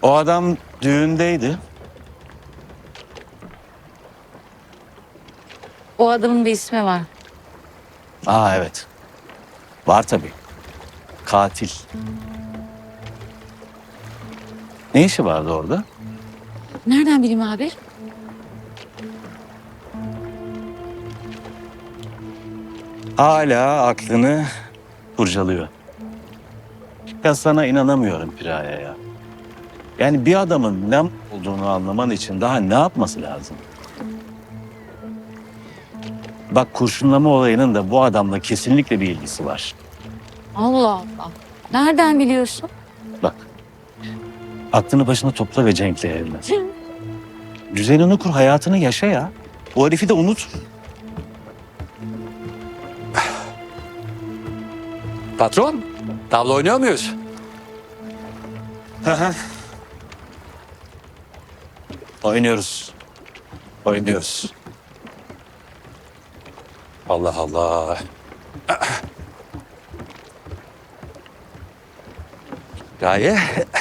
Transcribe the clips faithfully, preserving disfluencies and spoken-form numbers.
O adam düğündeydi. O adamın bir ismi var. Aa evet. Var tabii. Katil. Ne işi vardı orada? Nereden bileyim abi? Hala aklını kurcalıyor. Ya sana inanamıyorum Piraye ya. Yani bir adamın ne olduğunu anlaman için daha ne yapması lazım? Bak kurşunlama olayının da bu adamla kesinlikle bir ilgisi var. Allah Allah. Nereden biliyorsun? Bak. Aklını başına topla ve Cenk'le evlen. Düzenini kur, hayatını yaşa ya. Bu herifi de unut. Patron, tavla oynuyor muyuz? Oynuyoruz. Oynuyoruz. Allah Allah. Gaye.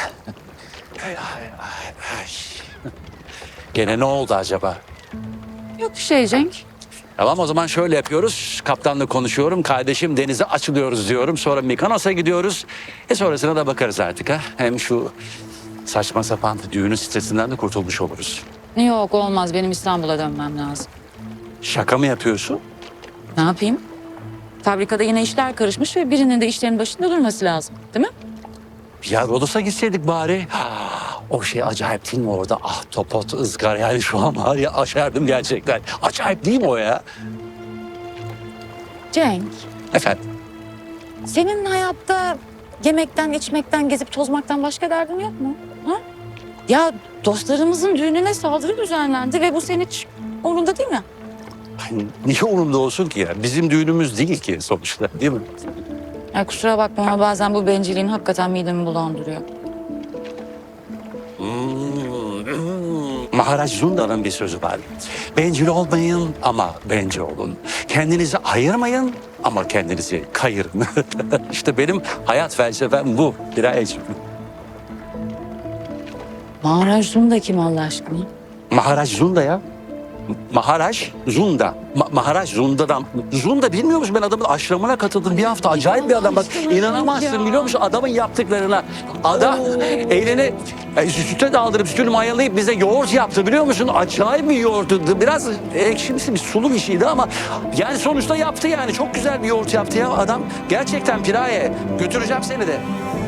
Gene ne oldu acaba? Yok bir şey Cenk. Tamam o zaman şöyle yapıyoruz. Kaptanla konuşuyorum. Kardeşim denize açılıyoruz diyorum. Sonra Mikonos'a gidiyoruz. E sonrasına da bakarız artık ha. Hem şu saçma sapan düğünün stresinden de kurtulmuş oluruz. Yok olmaz. Benim İstanbul'a dönmem lazım. Şaka mı yapıyorsun? Ne yapayım? Fabrikada yine işler karışmış ve birinin de işlerin başında durması lazım. Değil mi? Ya Rodos'a gitseydik bari. O şey acayip değil mi orada? Ah topot, ızgar yani şu an var ya aşerdim gerçekten. Acayip değil mi o ya? Cenk, Efendim? senin hayatta yemekten, içmekten, gezip tozmaktan başka derdin yok mu? Ha? Ya dostlarımızın düğününe saldırı düzenlendi ve bu senin hiç umurunda değil mi? Ay, niye umurumda olsun ki ya? Bizim düğünümüz değil ki sonuçta değil mi? Ya kusura bakma ama bazen bu bencilliğin hakikaten midemi bulandırıyor. Maharaj Zunda'nın bir sözü var. Bencil olmayın ama bence olun. Kendinizi ayırmayın ama kendinizi kayırın. İşte benim hayat felsefem bu. Birayeciğim. Maharaj Zunda kim Allah aşkına? Maharaj Zunda ya. Maharaj Zunda. Ma- Maharaj Zunda'dan. Zunda bilmiyor musun? Ben adamın aşramına katıldım bir hafta. Acayip bir adam. Bak inanamazsın biliyor musun adamın yaptıklarına. Adam elini e, süte daldırıp sütünü mayalayıp bize yoğurt yaptı biliyor musun? Acayip bir yoğurttu. Biraz ekşimsi bir sulu bir şeydi ama yani sonuçta yaptı yani. Çok güzel bir yoğurt yaptı ya adam. Gerçekten Piraye. Götüreceğim seni de.